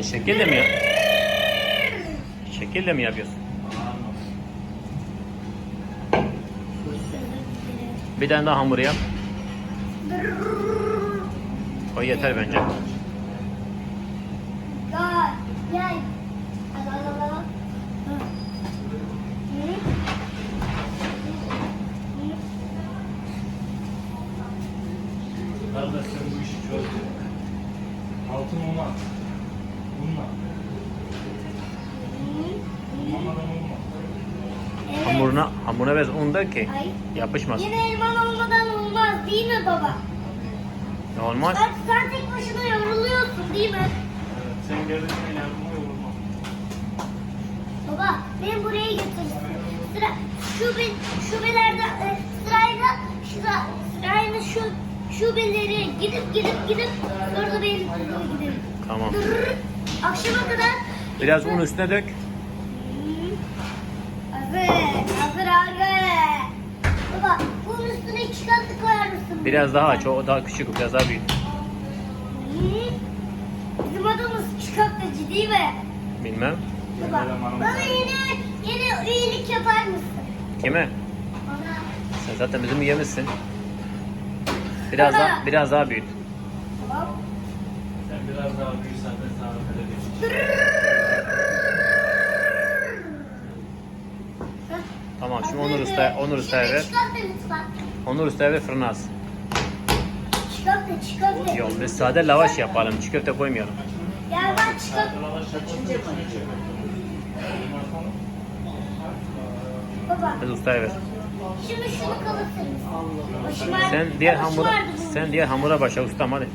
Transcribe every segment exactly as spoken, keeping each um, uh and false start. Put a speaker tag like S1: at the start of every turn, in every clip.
S1: Sen şekil de mi yap? Şekil de mi yapıyorsun? Bir tane daha hamur yap. O yeter bence.
S2: Gel. Gel. Al al al.
S3: Kardeş sen bu işi çözdün. Altın olmaz. Bununla. Olmadan olmaz.
S2: Evet.
S1: Hamuruna, hamuruna biraz un da ki
S2: Ay.
S1: yapışmaz.
S2: Yine elman olmadan olmaz değil mi baba?
S1: Ne olmaz?
S2: Sen, sen tek başına yoruluyorsun değil mi?
S3: Evet, sen gelirsen yardıma yorulmaz.
S2: Baba beni buraya götürsün. Sıra şube, şubelerde e, sırayla sıra, sırayla şu şubeleri gidip gidip gidip sonra da benim okula gidelim.
S1: Tamam.
S2: Dırırır. Akşama kadar
S1: Biraz un üstüne dök.
S2: Hazır, hazır abi. Baba bunun üstüne iki katlı koyar mısın?
S1: Biraz daha aç. O daha küçük, biraz daha büyük.
S2: Hı? Bizim adamız çıkartıcı değil mi?
S1: Bilmem.
S2: Baba, bana yeni, yeni üyelik yapar mısın?
S1: Kime?
S2: Bana.
S1: Sen zaten bizim üyemizsin. Biraz daha, biraz daha büyüt.
S2: Tamam.
S3: Sen biraz daha büyürsen de sana verebilirim.
S1: Tamam, şimdi Onur Usta, Onur Usta'ya ver.
S2: Çıkartma lütfen.
S1: Onur Usta'ya ver, fırına az.
S2: Çıkartma, çıkartma.
S1: Yok, biz sade lavaş yapalım. Çiğ köfte koymayalım.
S2: Gel ben çıkart. Baba,
S1: Biz ustaya ver.
S2: şimdi şunu kalıtır mısın? Başım ağrı-
S1: Sen diğer
S2: başım
S1: hamura,
S2: ağrıdı bunun.
S1: sen diğer hamura başla ustam hadi.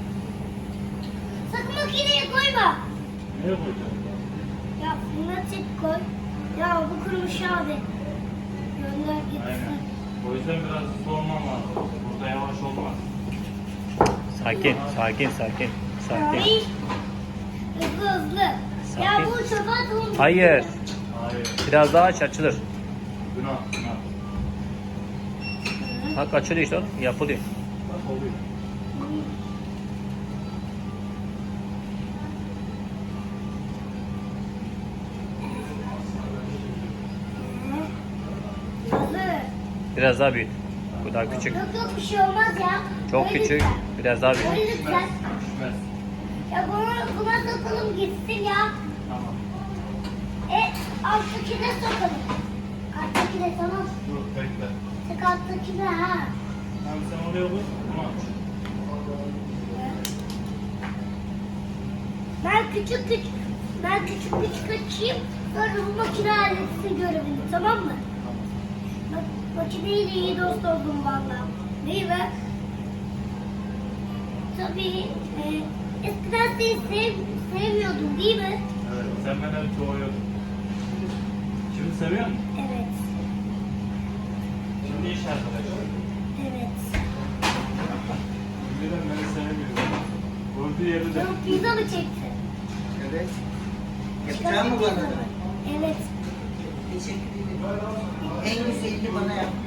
S2: Sakın makineye koyma.
S3: Nereye koyacaksın?
S2: Ya fırına tek koy. Ya bu kurumuş abi. Gönder gitsin.
S3: Aynen. O yüzden biraz hızlı olman lazım. Burada yavaş olmaz.
S1: Sakin, sakin, sakin, sakin.
S2: Hayır. Hızlı hızlı. Ya
S1: Sakin.
S2: bu çöpe atılmış.
S1: Hayır,
S3: Hayır.
S1: biraz daha aç, açılır.
S3: Günah, günah.
S1: Bak açılıyor işte oğlum, yapılıyor.
S3: Bak oluyor.
S2: Hazır.
S1: Biraz daha büyüt. Bu daha küçük.
S2: Yok yok bir şey olmaz ya.
S1: Çok
S2: Öyle
S1: küçük,
S2: lütfen.
S1: biraz daha büyüt.
S2: Öyle lütfen.
S3: Düşmez.
S2: Ya buna, buna sokalım gitsin ya.
S3: Tamam.
S2: E alttakine sokalım. Alttakine tamam.
S3: Dur bekle.
S2: Tek alttakine ha.
S3: Tamam sen oraya koy. Bunu aç.
S2: Ben küçük küçük ben küçük küçük açayım. Sonra bu makine halletsin görevini tamam mı? Bak makineyle iyi dost oldum valla. Değil mi? Tabii e, eskiden seni sev, sevmiyordum değil mi?
S3: Evet. Sen beni çoğuyordun. Şimdi seviyor musun?
S2: Evet.
S3: Şimdi iş arkadaşı.
S2: Evet.
S3: Önceden beni sevmiyordu. Gördüğü yeri de.
S2: Canım pizza mı çekti?
S4: Evet. Yapacağım mı bana da?
S2: Evet.
S4: Teşekkür ederim. En güzelini bana yap.